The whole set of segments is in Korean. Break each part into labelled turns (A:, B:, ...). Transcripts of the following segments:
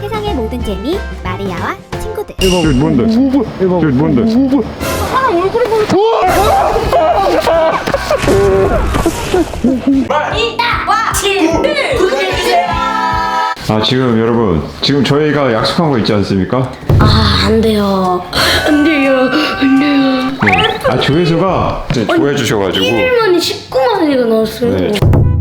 A: 세상의 모든 재미 마리아와 친구들.
B: 저기 뭔데? 저기 뭔데?
A: 사람 얼굴이 보여.
B: 아 지금 여러분 지금 저희가 약속한 거 있지 않습니까?
C: 아, 안 돼요. 안 돼요. 안 돼요.
B: 네. 아 조회수가 좋아해 주셔가지고
C: 1일만에 19만 원이가 나왔어요.
B: 네.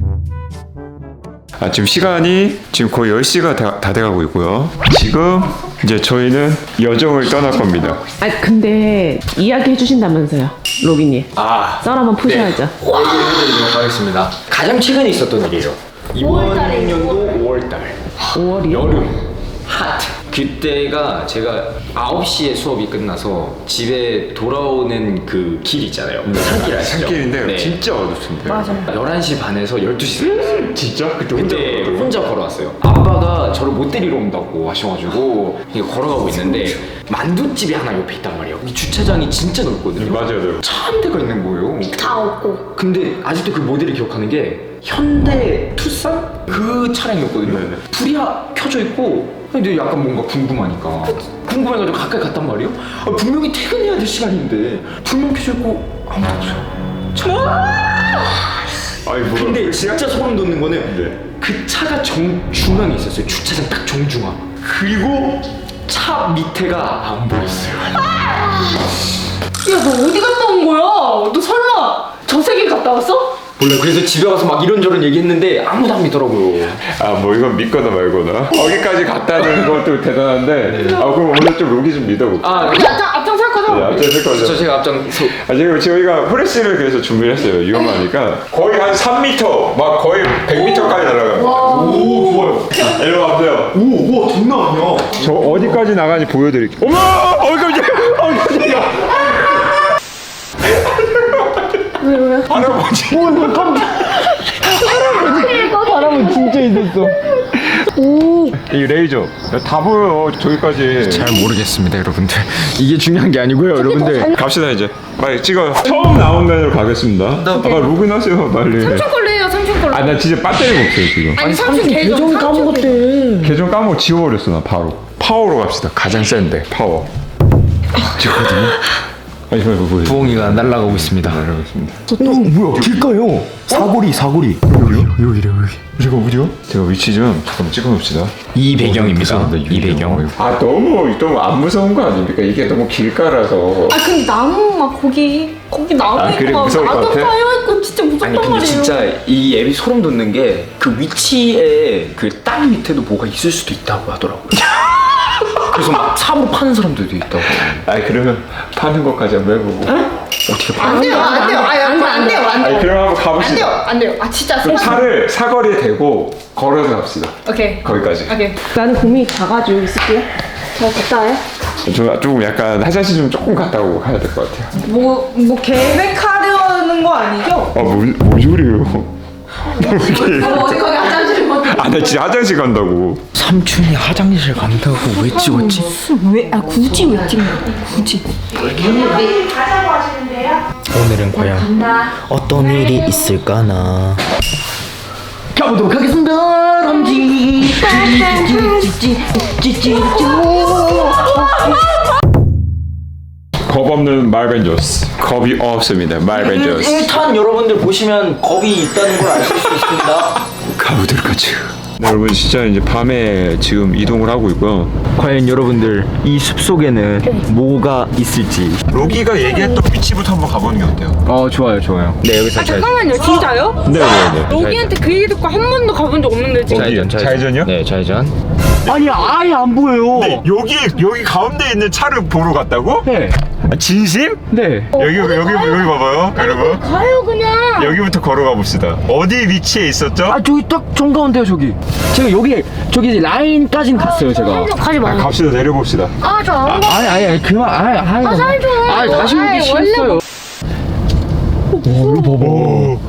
B: 아 지금 시간이 지금 거의 10시가 다 돼가고 있고요. 지금 이제 저희는 여정을 떠날 겁니다.
D: 아 근데 이야기 해주신다면서요, 로기님.
E: 아,
D: 썰 한번 푸셔야죠.
E: 해드리도록 하겠습니다. 가장 최근에 있었던 일이에요. 이번 년도 5월달
D: 5월이요?
E: 여름 핫. 그때가 제가 9시에 수업이 끝나서 집에 돌아오는 그 길 있잖아요. 산길 아시죠?
B: 산길인데
E: 네.
B: 진짜 어둡던데. 맞아.
E: 11시 반에서 12시
B: 진짜? 그때
E: 혼자 걸어왔어요. 아빠가 저를 못 데리러 온다고 하셔가지고 이게 걸어가고 있는데 만두집이 하나 옆에 있단 말이에요. 이 주차장이 진짜 넓거든요.
B: 맞아요.
E: 차 한 대가 있는 거예요.
C: 다 없고.
E: 근데 아직도 그 모델을 기억하는 게 현대 투싼 그 차량이었거든요.
B: 네네.
E: 불이 켜져 있고 근데 약간 뭔가 궁금하니까 궁금해가지고 가까이 갔단 말이에요. 아, 분명히 퇴근해야 될 시간인데 불만 켜져 있고 아무도 없어요.
B: 아니 뭐가?
E: 근데 진짜 소름 돋는 거는
B: 네.
E: 그 차가 정중앙에 있었어요. 주차장 딱 정중앙. 그리고 차 밑에가 안 보였어요.
D: 야, 너 어디 갔다 온 거야? 너 설마 저 세계 갔다 왔어?
E: 몰라. 그래서 집에 와서 막 이런저런 얘기했는데 아무도 안 믿더라고요.
B: 아 뭐 이건 믿거나 말거나 거기까지 갔다는 것도 대단한데 아 그럼 오늘 좀 로기 좀 믿어볼게요.
E: 아,
D: 앞장설 거죠?
B: 네, 앞장설 거죠.
E: 저 제가 앞장서.
B: 아 지금 저희가 후레쉬를 그래서 준비를 했어요. 위험하니까 거의 한 3m 막 거의 100m까지 날아가요.
E: 오, 좋아요.
B: 일로 와보세요.
E: 오, 우와, 장난 아니야.
B: 저 어디까지 나가는지 보여드릴게요. 어머! 깜짝이야!
D: 왜?
B: 할아버지.
D: 사람은 진짜 있었어.
B: 이 레이저 다 보여요. 저기까지.
E: 잘 모르겠습니다, 여러분들. 이게 중요한 게 아니고요, 여러분들.
B: 갑시다 이제. 빨리 찍어요. 처음 나온 면으로 가겠습니다. 아까 로그인하세요 빨리.
D: 삼촌 걸로 해요, 삼촌 걸로.
B: 아 나 진짜 배터리가 없어요 지금.
D: 아니, 삼촌 계정 까먹었대.
B: 계정 까먹고 지워버렸어 나 바로. 파워로 갑시다. 가장 센데 파워. 지웠거든요. 아니 뭐
E: 부엉이가 날아가고 있습니다.
B: 알겠습니다.
E: 뭐야, 길가요? 사거리. 여기래, 여기.
B: 제가 어디요? 제가 위치 좀 잠깐 찍어놓읍시다.
E: 이 배경입니다. 이 배경.
B: 아 너무 안 무서운 거 아닙니까? 이게 너무 길가라서.
D: 아, 근데 나무 막 거기 나무
B: 아, 그래?
D: 있고
B: 무서울 것
D: 나도
B: 같아?
D: 쌓여있고 진짜 무섭단
E: 아니, 근데
D: 말이에요.
E: 진짜 이 앱이 소름 돋는 게 그 위치에 그 땅 밑에도 뭐가 있을 수도 있다고 하더라고요. 그래서 막 삽으로 파는 사람들도 있다고.
B: 아 그러면 파는 것까지 한번 해보고.
E: 어떻게 파?
D: 안 돼요. 안 돼요.
B: 아니 그럼 한번 가봅시다.
D: 안 돼요. 아, 진짜.
B: 그럼 차를 사거리에 대고 걸어서 갑시다.
D: 오케이.
B: 거기까지.
D: 오케이. 나는 고민이 작아지고 있을게요. 저 갔다 와요?
B: 저 조금 약간 화장실 좀 조금 갔다 오고 가야 될 것 같아요.
D: 뭐 계획하려는 거 아니죠?
B: 뭔 소리예요?
D: 어디 거기 화장실 뭐
B: 아 나 진짜 화장실 간다고.
E: 삼촌이 화장실 간다고 왜 찍었지?
D: 굳이 왜 찍는 거야? 굳이.
E: 오늘은 과연 어떤 일이 있을까나. 가보도록 하겠습니다. 람지.
B: 겁 없는 말벤저스. 겁이 없습니다. 말벤저스.
E: 1탄 여러분들 보시면 겁이 있다는 걸 아실 수 있습니다.
B: 가보도록 하죠. 네, 여러분 진짜 이제 밤에 지금 이동을 하고 있고요.
E: 과연 여러분들 이 숲속에는 뭐가 있을지.
B: 로기가 얘기했던 위치부터 한번 가보는 게 어때요?
E: 좋아요. 네, 여기서
D: 잠깐만요, 진짜요?
B: 네네네.
D: 여기한테 그 얘기 듣고 한 번도 가본 적 없는데 지금.
B: 좌회전이요?
E: 네, 좌회전.
F: 아니 아예 안 보여요.
B: 네, 여기 가운데 있는 차를 보러 갔다고?
F: 네.
B: 아, 진심?
F: 네.
B: 여기 봐봐요, 여러분.
D: 가요 그냥.
B: 여기부터 걸어가 봅시다. 어디 위치에 있었죠?
F: 아 저기 딱 정가운데요 저기. 제가 저기 라인까지는 갔어요 제가.
D: 가지
B: 아,
D: 마.
B: 갑시다. 내려봅시다.
D: 아, 저 안 가.
F: 아니 그만
D: 살 좀.
F: 다시 오기
D: 아이,
F: 싫었어요. 이거 봐봐.
B: 오.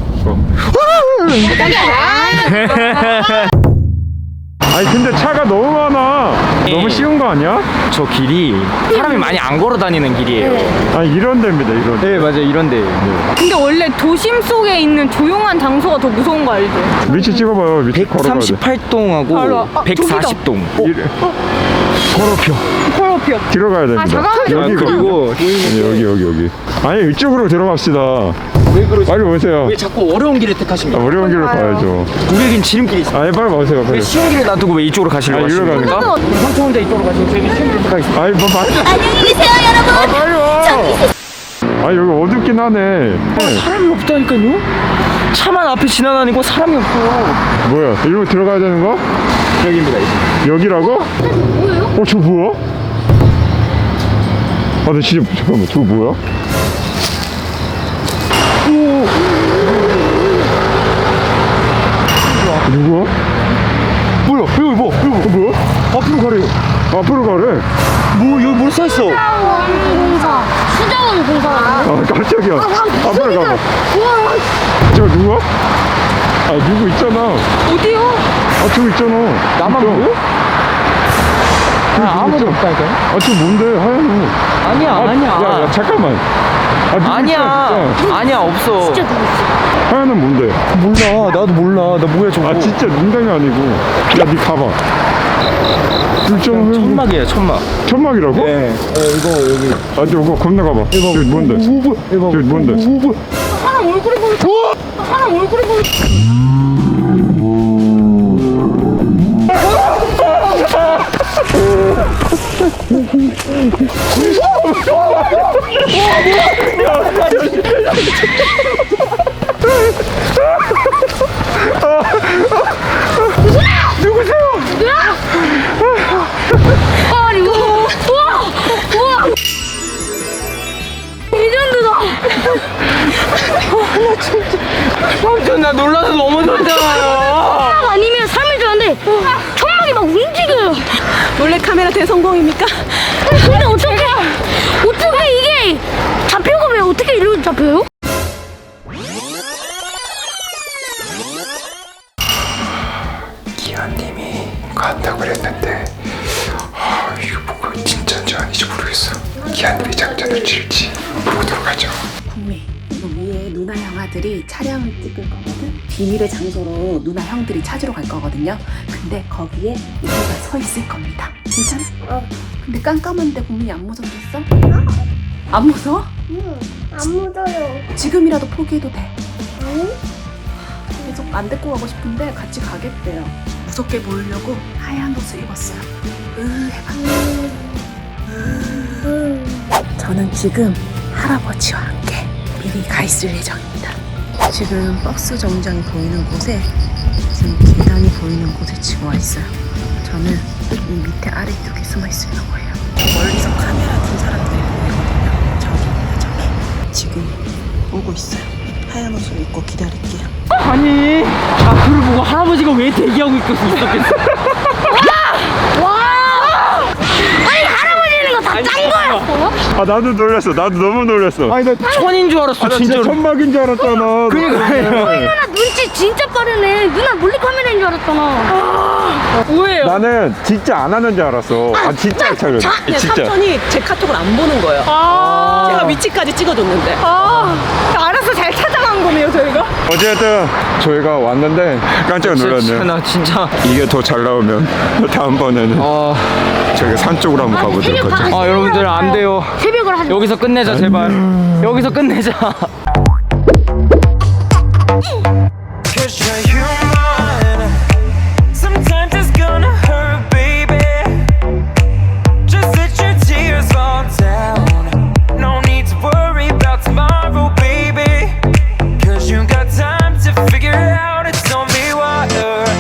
B: 아니 근데 차가 너무 많아. 너무 쉬운 거 아니야?
F: 저 길이 사람이 많이 안 걸어 다니는 길이에요.
B: 아 이런 데입니다 이런 데.
F: 네, 맞아요. 이런데.
D: 근데 원래 도심 속에 있는 조용한 장소가 더 무서운 거 알죠?
B: 위치 찍어봐요. 위치 걸어가야 돼.
F: 138동하고
D: 바로,
F: 140동.
D: 콜오피어.
B: 들어가야 됩니다.
D: 잠깐만요.
B: 여기
F: 그리고
B: 여기. 아니 이쪽으로 들어갑시다.
F: 왜 그러지?
B: 빨리 오세요.
F: 왜 자꾸 어려운 길을 택하십니까?
B: 어려운 길로 가야죠.
F: 우리에겐 지름길이 있어.
B: 아니 빨리 오세요.
F: 왜
B: 빨리.
F: 쉬운 길을 놔두고 왜 이쪽으로 가시려고
B: 아, 이리로
F: 하십니까?
B: 가는
F: 삼촌 혼자 이쪽으로 가시고 저희는 쉬운 길을 택하겠습니다.
B: 아니 뭐 말도.
A: 안녕히 계세요, 여러분.
B: 아 빨리 와. 아 여기 어둡긴 하네.
F: 사람이 없다니까요? 차만 앞에 지나다니고 사람이 없어.
B: 뭐야? 이리로 들어가야 되는 거?
F: 여기입니다. 이제.
B: 여기라고? 뭐예요? 저 뭐야? 아, 나 진짜 잠깐만, 저거 뭐야? 누구야?
F: 뭐야? 여기 뭐?
B: 이거 뭐야?
F: 앞으로 가래요.
B: 앞으로 가래.
F: 뭐 여기 뭐 써있어?
A: 공사. 수자원 공사.
B: 아, 깜짝이야. 앞으로 가봐. 저 누구야? 아, 누구 있잖아.
D: 어디요?
B: 아, 저기 있잖아.
F: 나만
B: 있잖아.
F: 보여? 아무도 없다니까요?
B: 아, 저 뭔데? 하얀 거.
F: 아니야, 아니야.
B: 야, 잠깐만. 아, 누구
F: 아니야.
B: 있어, 진짜.
F: 아니야, 없어.
A: 진짜 누구 있어?
B: 하얀은 뭔데?
F: 몰라. 나도 몰라. 나 뭐야 저거.
B: 아, 진짜 농담이 아니고. 야, 니 가봐. 있잖아, 하얀 거.
F: 천막이에요, 천막.
B: 천막이라고?
F: 네. 이거 여기.
B: 아, 저거 건너가봐. 저기 뭔데? 저기 뭔데?
D: 사람 얼굴이 보여. 사람 얼굴이 보여.
A: 아니, 우와! 레전드다.
F: 삼촌 나 놀라서 넘어졌잖아요.
A: 아니면 삶을 줄 알았는데 천막이 막 움직여요.
D: 몰래 카메라 대성공입니까?
A: 근데 어떻게 이게 잡혀가 왜 어떻게 이렇게 잡혀요?
B: 기아님이 간다고 그랬는데 이거 뭐가 진짜인지 아닌지 모르겠어. 기아님이 작전을 칠지 보도록 하죠.
G: 국내 이거 위에 누나 형아들이 촬영을 찍을 거거든. 비밀의 장소로 누나 형들이 찾으러 갈 거거든요. 근데 거기에 우리가 서 있을 겁니다. 괜찮아? 근데 깜깜한데 국민이 안 무섭겠어? 안 무서워?
A: 안 묻어요.
G: 지금이라도 포기해도 돼. 계속 안 데리고 가고 싶은데 같이 가겠대요. 무섭게 보이려고 하얀 옷을 입었어요. 해봐. 저는 지금 할아버지와 함께 미리 가 있을 예정입니다. 지금 버스 정류장이 보이는 곳에 지금 계단이 보이는 곳에 지금 와 있어요. 저는 이 밑에 아래쪽에 숨어 있을 거예요. 멀리서 카메라 든 사람들이 보이거든요. 저기입니다, 저기. 지금 오고 있어요. 하얀 옷을 입고 기다릴게요.
F: 아니, 앞을 보고 할아버지가 왜 대기하고 있었겠어?
A: 아니 할아버지는 거 다 짠 거였어?
B: 아 나도 놀랐어. 나도 너무 놀랐어.
F: 아니 나 천인 줄 알았어,
B: 나 진짜
F: 진짜로.
B: 천막인 줄 알았잖아.
A: 누나 눈치 진짜 빠르네. 누나 몰래카메라인 줄 알았잖아.
D: 뭐예요?
B: 나는 진짜 안 하는 줄 알았어. 아 진짜 안 차려. 진짜.
G: 삼촌이 제 카톡을 안 보는 거예요. 제가 위치까지 찍어줬는데.
D: 알아서 잘 찾아간 거네요, 저희가.
B: 어쨌든 저희가 왔는데 깜짝 놀랐네.
F: 나 진짜.
B: 이게 더 잘 나오면 다음번에는 저희가 산 쪽으로 한번 가보도록 하죠.
F: 여러분들 안 돼요.
A: 새벽을 하지.
F: 여기서 끝내자 제발. 여기서 끝내자.